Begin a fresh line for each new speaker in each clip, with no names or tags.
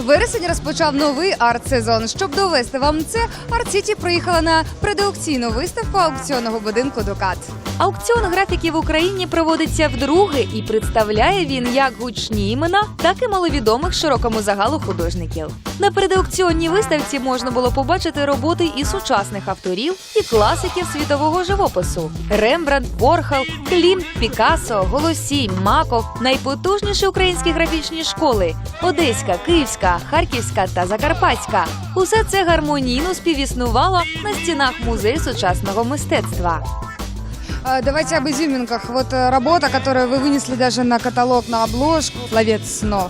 Вересень розпочав новий арт-сезон. Щоб довести вам це, Арт-Сіті приїхала на предаукційну виставку аукціонного будинку «Дукат».
Аукціон графіки в Україні проводиться вдруге і представляє він як гучні імена, так і маловідомих широкому загалу художників. На предаукціонній виставці можна було побачити роботи і сучасних авторів, і класиків світового живопису – Рембрандт, Ворхол, Клімт, Пікассо, Голосій, Маков, найпотужніші українські графічні школи – Одеська, Київська, Харківська та Закарпатська. Усе це гармонійно співіснувало на стінах музею сучасного мистецтва.
Давайте об изюминках. Вот работа, которую вы вынесли даже на каталог, на обложку «Ловец снов».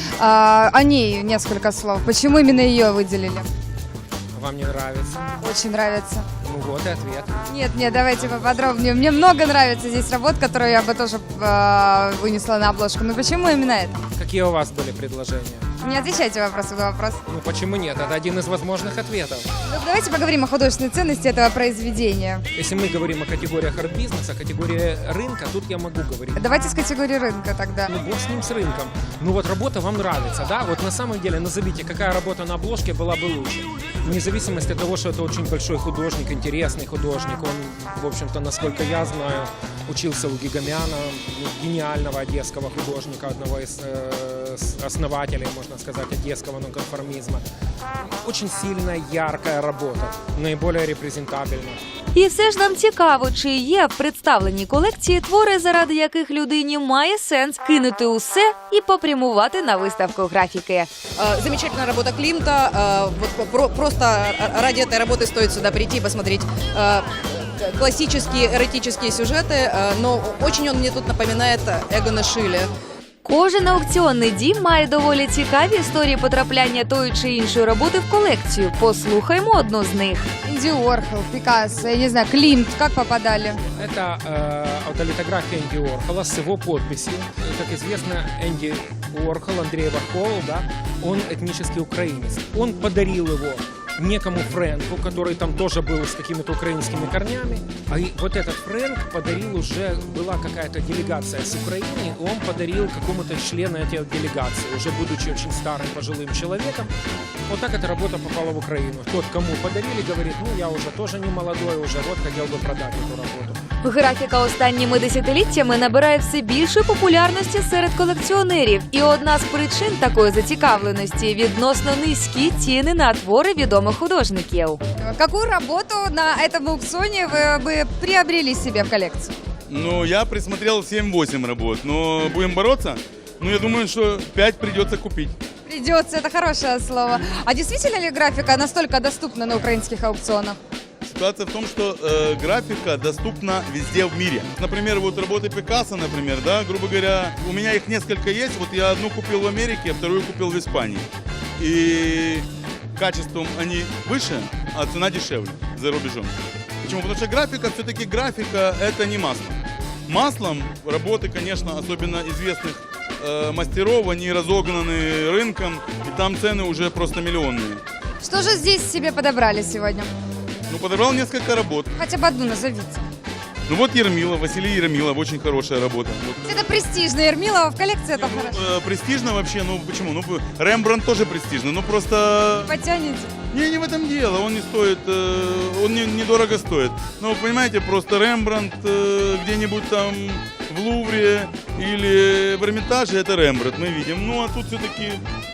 О ней несколько слов. Почему именно ее выделили?
Вам не нравится?
Очень нравится.
Ну вот и ответ.
Нет, давайте поподробнее. Мне много нравится здесь работ, которые я бы тоже вынесла на обложку. Но почему именно это?
Какие у вас были предложения?
Не отвечайте вопросу на вопрос.
Ну почему нет? Это один из возможных ответов.
Ну, давайте поговорим о художественной ценности этого произведения.
Если мы говорим о категориях арт-бизнеса, категории рынка, тут я могу говорить.
Давайте с категории рынка тогда.
Ну бог с ним, с рынком. Ну вот работа вам нравится, да? Вот на самом деле назовите, какая работа на обложке была бы лучше. Вне зависимости от того, что это очень большой художник, интересный художник. Он, в общем-то, насколько я знаю, учился у Гигамяна, гениального одесского художника, одного из основателей, можно сказать, одесского нонконформизма. Очень сильная, яркая работа, наиболее репрезентабельна.
І все ж нам цікаво, чи є в представленій колекції твори, заради яких людині має сенс кинути усе і попрямувати на виставку графіки.
Замечательная работа Климта. Вот просто ради этой работы стоит сюда прийти и посмотреть классические эротические сюжеты, но очень он мне тут напоминает Эгона Шиле.
Кожен аукціонний дім має доволі цікаві історії потрапляння тої чи іншої роботи в колекцію. Послухаймо одну з них.
Энди Уорхол, Пикассо, я не знаю, Климт, как попадали?
Это аутолитография Энди Уорхола с его подписью. Как известно, Энди Уорхол, Андрей Вархол, да, он этнический украинец. Он подарил его некому Фрэнку, который там тоже был с какими-то украинскими корнями. А вот этот Фрэнк подарил уже, была какая-то делегация с Украины, и он подарил какому-то члену этой делегации, уже будучи очень старым пожилым человеком. Вот так эта работа попала в Украину. Тот, кому подарили, говорит, ну я уже тоже не молодой, уже вот хотел бы продать эту работу.
Графіка останніми десятиліттями набирає все більшої популярності серед колекціонерів. І одна з причин такої зацікавленості – відносно низькі ціни на твори відомих художників.
Какую работу на этом аукционе вы бы приобрели себе в коллекцию?
Ну, я присмотрел 7-8 работ, но будем бороться. Ну, я думаю, что 5 придется купить.
Придется, это хорошее слово. А действительно ли графика настолько доступна на украинских аукционах?
Ситуация в том, что графика доступна везде в мире. Например, вот работы Пикассо, например, да, грубо говоря, у меня их несколько есть. Вот я одну купил в Америке, а вторую купил в Испании. И качеством они выше, а цена дешевле за рубежом. Почему? Потому что графика, все-таки графика, это не масло. Маслом работы, конечно, особенно известных мастеров, они разогнаны рынком, и там цены уже просто миллионные.
Что же здесь себе подобрали сегодня?
Ну, подобрал несколько работ.
Хотя бы одну назовите.
Ну вот Ермилов, Василий Ермилов, очень хорошая работа. Вот.
Это престижно. Ермилова в коллекции это хорошо.
Престижно вообще, ну почему? Ну, Рембрандт тоже престижный, ну просто...
Потянете.
Не в этом дело, он не стоит, он недорого стоит. Ну, понимаете, просто Рембрандт где-нибудь там в Лувре или в Эрмитаже, это Рембрандт, мы видим. Ну, а тут все-таки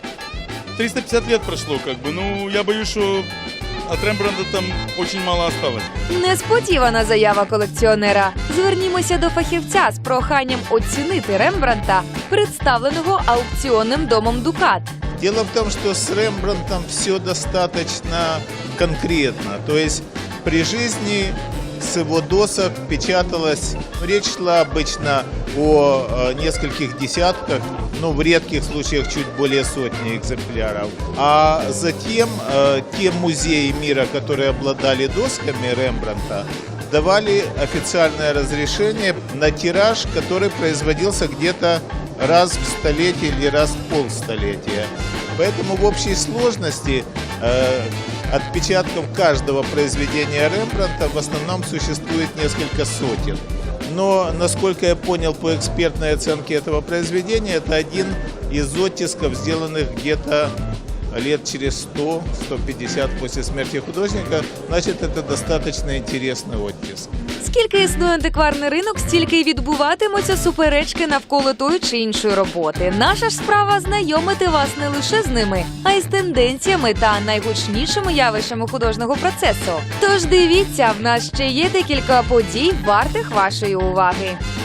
350 лет прошло, как бы, ну, я боюсь, что... От Рембрандта там очень мало осталось.
Несподівана заява колекціонера. Звернімося до фахівця з проханням оцінити Рембрандта, представленого аукціонним домом «Дукат».
Дело в том, что с Рембрандтом все достаточно конкретно. То есть при жизни с его досок печаталось, речь шла обычно о нескольких десятках, но в редких случаях чуть более сотни экземпляров. А затем те музеи мира, которые обладали досками Рембрандта, давали официальное разрешение на тираж, который производился где-то раз в столетие или раз в полстолетия. Поэтому в общей сложности отпечатков каждого произведения Рембрандта в основном существует несколько сотен. Но, насколько я понял по экспертной оценке этого произведения, это один из оттисков, сделанных где-то лет через 100-150 после смерти художника, значит, это достаточно интересный оттиск.
Скільки існує антикварний ринок, стільки й відбуватимуться суперечки навколо тої чи іншої роботи. Наша ж справа знайомити вас не лише з ними, а й з тенденціями та найгучнішими явищами художнього процесу. Тож дивіться, в нас ще є декілька подій, вартих вашої уваги.